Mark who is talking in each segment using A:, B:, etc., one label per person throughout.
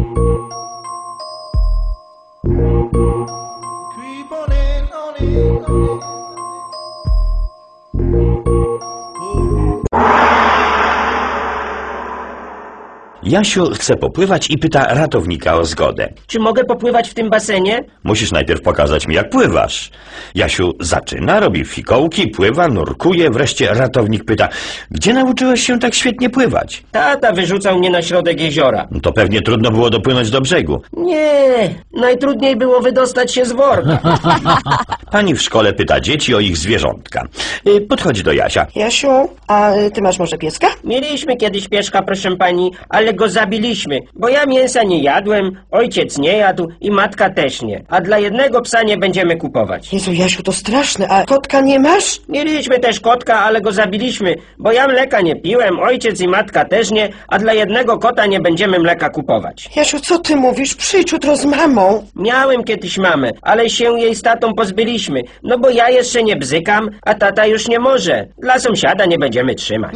A: Jasiu chce popływać i pyta ratownika o zgodę.
B: Czy mogę popływać w tym basenie?
A: Musisz najpierw pokazać mi, jak pływasz. Jasiu zaczyna, robi fikołki, pływa, nurkuje. Wreszcie ratownik pyta, gdzie nauczyłeś się tak świetnie pływać?
B: Tata wyrzucał mnie na środek jeziora.
A: No to pewnie trudno było dopłynąć do brzegu.
B: Nie, najtrudniej było wydostać się z worka.
A: Pani w szkole pyta dzieci o ich zwierzątka. Podchodzi do Jasia.
C: Jasiu, a ty masz może pieska?
B: Mieliśmy kiedyś pieszka, proszę pani, ale go zabiliśmy, bo ja mięsa nie jadłem, ojciec nie jadł i matka też nie. A dla jednego psa nie będziemy kupować.
C: Jezu, Jasiu, to straszne, a kotka nie masz?
B: Mieliśmy też kotka, ale go zabiliśmy, bo ja mleka nie piłem, ojciec i matka też nie, a dla jednego kota nie będziemy mleka kupować.
C: Jasiu, co ty mówisz? Przyjdź jutro z mamą.
B: Miałem kiedyś mamę, ale się jej z tatą pozbyliśmy, no bo ja jeszcze nie bzykam, a tata już nie może. Dla sąsiada nie będziemy trzymać.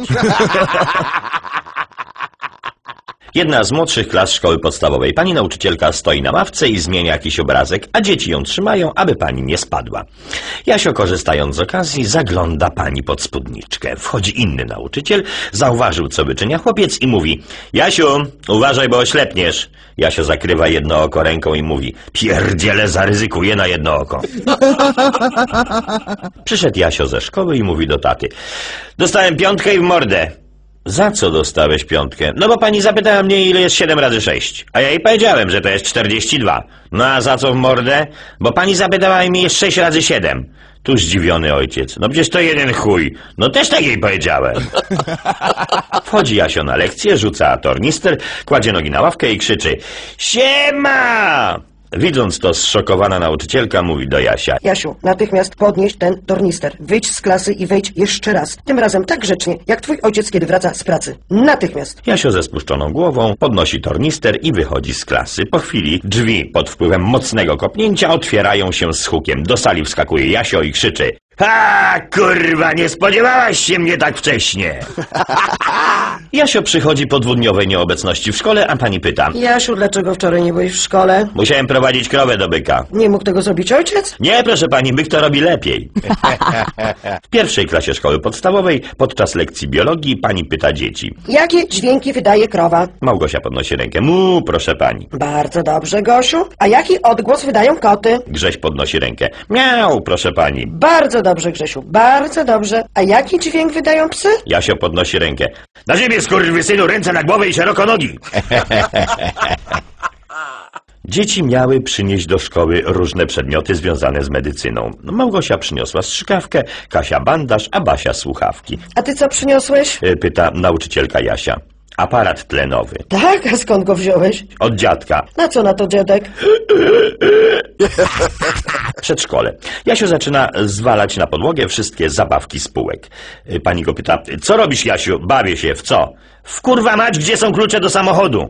A: Jedna z młodszych klas szkoły podstawowej. Pani nauczycielka stoi na ławce i zmienia jakiś obrazek, a dzieci ją trzymają, aby pani nie spadła. Jasio, korzystając z okazji, zagląda pani pod spódniczkę. Wchodzi inny nauczyciel, zauważył, co wyczynia chłopiec i mówi: Jasiu, uważaj, bo oślepniesz. Jasio zakrywa jedno oko ręką i mówi: pierdziele, zaryzykuję na jedno oko. Przyszedł Jasio ze szkoły i mówi do taty: dostałem 5 i w mordę. Za co dostałeś 5? No bo pani zapytała mnie, ile jest 7 razy 6. A ja jej powiedziałem, że to jest 42. No a za co w mordę? Bo pani zapytała mnie, jest 6 razy 7. Tu zdziwiony ojciec. No przecież to jeden chuj. No też tak jej powiedziałem. Wchodzi Jasio na lekcję, rzuca tornister, kładzie nogi na ławkę i krzyczy: siema! Widząc to, zszokowana nauczycielka mówi do Jasia:
C: Jasiu, natychmiast podnieś ten tornister. Wyjdź z klasy i wejdź jeszcze raz. Tym razem tak grzecznie, jak twój ojciec, kiedy wraca z pracy. Natychmiast.
A: Jasio ze spuszczoną głową podnosi tornister i wychodzi z klasy. Po chwili drzwi pod wpływem mocnego kopnięcia otwierają się z hukiem. Do sali wskakuje Jasio i krzyczy: ha, kurwa, nie spodziewałaś się mnie tak wcześnie. Jasio przychodzi po 2-dniowej nieobecności w szkole, a pani pyta:
C: Jasiu, dlaczego wczoraj nie byłeś w szkole?
A: Musiałem prowadzić krowę do byka.
C: Nie mógł tego zrobić ojciec?
A: Nie, proszę pani, byk to robi lepiej. W pierwszej klasie szkoły podstawowej podczas lekcji biologii pani pyta dzieci:
C: jakie dźwięki wydaje krowa?
A: Małgosia podnosi rękę: mu, proszę pani.
C: Bardzo dobrze, Gosiu. A jaki odgłos wydają koty?
A: Grześ podnosi rękę: miau, proszę pani.
C: Bardzo dobrze, Grzesiu, bardzo dobrze. A jaki dźwięk wydają psy?
A: Jasio podnosi rękę: na ziemię, skurwysynu, ręce na głowę i szeroko nogi. Dzieci miały przynieść do szkoły różne przedmioty związane z medycyną. Małgosia przyniosła strzykawkę, Kasia bandaż, a Basia słuchawki.
C: A ty co przyniosłeś?
A: Pyta nauczycielka Jasia. Aparat tlenowy.
C: Tak? A skąd go wziąłeś?
A: Od dziadka.
C: Na co na to dziadek?
A: Przedszkole. Jasio zaczyna zwalać na podłogę wszystkie zabawki z półek. Pani go pyta: co robisz, Jasiu? Bawię się. W co? W kurwa mać, gdzie są klucze do samochodu?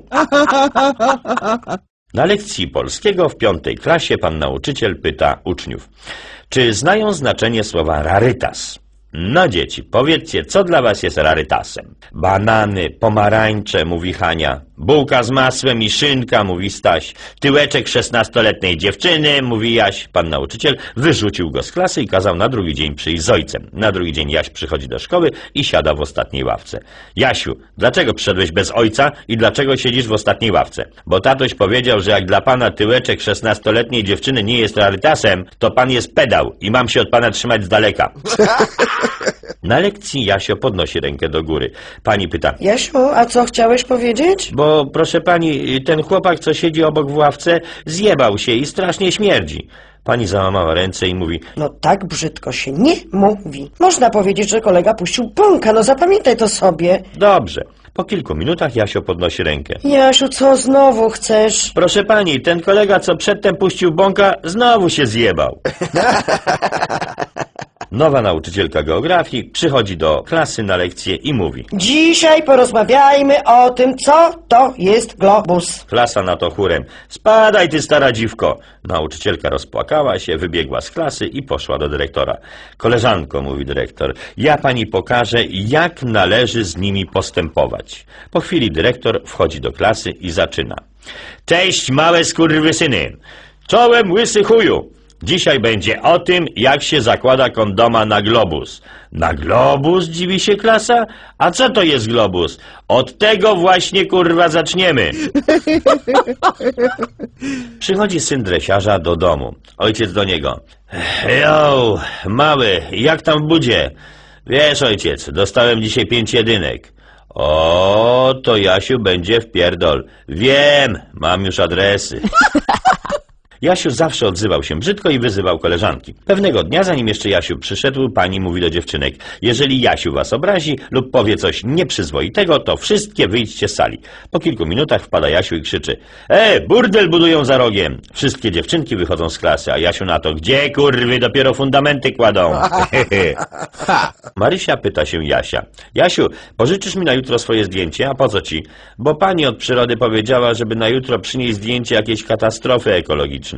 A: Na lekcji polskiego w 5. klasie pan nauczyciel pyta uczniów: czy znają znaczenie słowa rarytas? No dzieci, powiedzcie, co dla was jest rarytasem? Banany, pomarańcze, mówi Hania. Bułka z masłem i szynka, mówi Staś. Tyłeczek 16-letniej dziewczyny, mówi Jaś. Pan nauczyciel wyrzucił go z klasy i kazał na drugi dzień przyjść z ojcem. Na drugi dzień Jaś przychodzi do szkoły i siada w ostatniej ławce. Jasiu, dlaczego przyszedłeś bez ojca i dlaczego siedzisz w ostatniej ławce? Bo tatoś powiedział, że jak dla pana tyłeczek 16-letniej dziewczyny nie jest rarytasem, to pan jest pedał i mam się od pana trzymać z daleka. Na lekcji Jasio podnosi rękę do góry. Pani pyta:
C: Jasiu, a co chciałeś powiedzieć?
A: Bo proszę pani, ten chłopak, co siedzi obok w ławce, zjebał się i strasznie śmierdzi. Pani załamała ręce i mówi:
C: no tak brzydko się nie mówi. Można powiedzieć, że kolega puścił bąka, no zapamiętaj to sobie.
A: Dobrze. Po kilku minutach Jasio podnosi rękę.
C: Jasiu, co znowu chcesz?
A: Proszę pani, ten kolega, co przedtem puścił bąka, znowu się zjebał. Nowa nauczycielka geografii przychodzi do klasy na lekcję i mówi:
C: Dzisiaj porozmawiajmy o tym, co to jest globus.
A: Klasa na to chórem: spadaj ty, stara dziwko! Nauczycielka rozpłakała się, wybiegła z klasy i poszła do dyrektora. Koleżanko, mówi dyrektor, ja pani pokażę, jak należy z nimi postępować. Po chwili dyrektor wchodzi do klasy i zaczyna: Cześć, małe skurwysyny! Czołem, łysy chuju! Dzisiaj będzie o tym, jak się zakłada kondoma na globus. Na globus? Dziwi się klasa. A co to jest globus? Od tego właśnie, kurwa, zaczniemy. Przychodzi syn dresiarza do domu. Ojciec do niego: Jo, mały, jak tam w budzie? Wiesz, ojciec, dostałem dzisiaj 5 jedynek. O, to Jasiu będzie wpierdol. Wiem, mam już adresy. Jasiu zawsze odzywał się brzydko i wyzywał koleżanki. Pewnego dnia, zanim jeszcze Jasiu przyszedł, pani mówi do dziewczynek: jeżeli Jasiu was obrazi lub powie coś nieprzyzwoitego, to wszystkie wyjdźcie z sali. Po kilku minutach wpada Jasiu i krzyczy: burdel budują za rogiem. Wszystkie dziewczynki wychodzą z klasy, a Jasiu na to: gdzie, kurwy, dopiero fundamenty kładą. Marysia pyta się Jasia: Jasiu, pożyczysz mi na jutro swoje zdjęcie? A po co ci? Bo pani od przyrody powiedziała, żeby na jutro przynieść zdjęcie jakiejś katastrofy ekologicznej.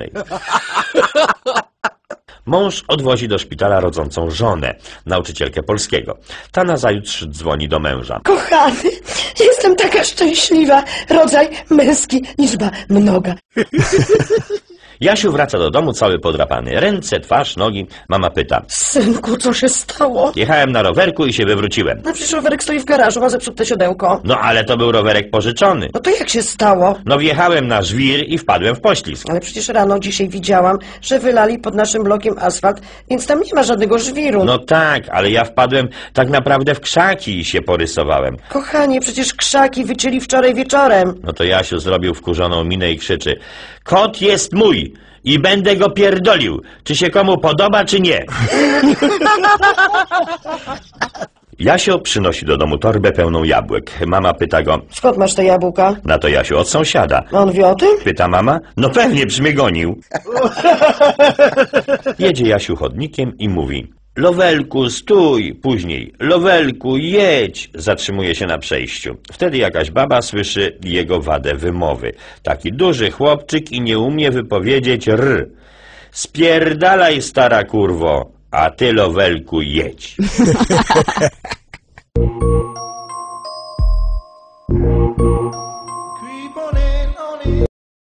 A: Mąż odwozi do szpitala rodzącą żonę, nauczycielkę polskiego. Ta nazajutrz dzwoni do męża.
C: Kochany, jestem taka szczęśliwa. Rodzaj męski, liczba mnoga.
A: Jasiu wraca do domu cały podrapany. Ręce, twarz, nogi. Mama pyta:
C: Synku, co się stało?
A: jechałem na rowerku i się wywróciłem.
C: No przecież rowerek stoi w garażu, ma zepsute siodełko.
A: No ale to był rowerek pożyczony.
C: No to jak się stało?
A: No wjechałem na żwir i wpadłem w poślizg.
C: Ale przecież rano dzisiaj widziałam, że wylali pod naszym blokiem asfalt, więc tam nie ma żadnego żwiru.
A: No tak, ale ja wpadłem tak naprawdę w krzaki i się porysowałem.
C: Kochanie, przecież krzaki wycięli wczoraj wieczorem.
A: No to Jasiu zrobił wkurzoną minę i krzyczy: kot jest mój i będę go pierdolił, czy się komu podoba, czy nie. Jasio przynosi do domu torbę pełną jabłek. Mama pyta go:
C: Skąd masz te jabłka?
A: na to Jasiu: od sąsiada.
C: A on wie o tym?
A: Pyta mama: no pewnie, przy mnie gonił. Jedzie Jasiu chodnikiem i mówi: Lowelku, stój! Później: Lowelku, jedź! Zatrzymuje się na przejściu. Wtedy jakaś baba słyszy jego wadę wymowy. Taki duży chłopczyk i nie umie wypowiedzieć r. Spierdalaj, stara kurwo, a ty, Lowelku, jedź.